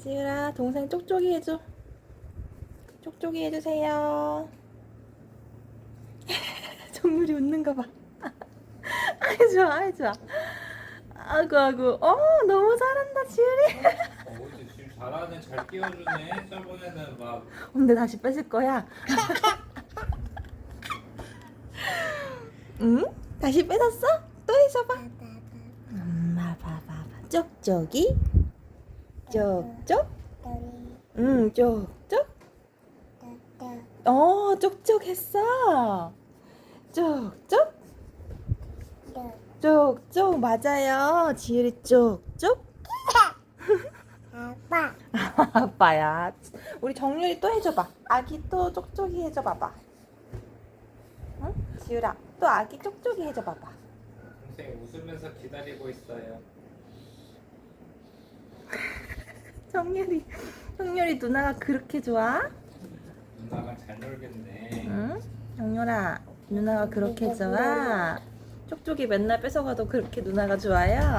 지율아, 동생 쪽쪽이 해줘. 쪽쪽이 해주세요. 정률이 웃는 거 봐. 아이 좋아, 아이 좋아. 아이고 아이고. 너무 잘한다 지율이. 어제 지금 잘하네. 잘 끼워주네. 저번에는 막 근데 다시 뺏을 거야. 응? 다시 뺏었어? 또 해줘봐. 엄마 봐봐. 쪽쪽이. 쪽쪽. 응, 쪽쪽. 쪽쪽 했어. 쪽쪽. 쪽쪽 맞아요. 지율이 쪽쪽. 아빠. 아빠야. 우리 정률이 또 해줘봐. 아기 또 쪽쪽이 해줘봐봐. 응? 지율아, 또 아기 쪽쪽이 해줘봐봐. 동생 웃으면서 기다리고 있어요. 정률이 누나가 그렇게 좋아? 누나가 잘 놀겠네. 응? 정률아, 누나가 그렇게 좋아? 쪽쪽이 맨날 뺏어가도 그렇게 누나가 좋아요?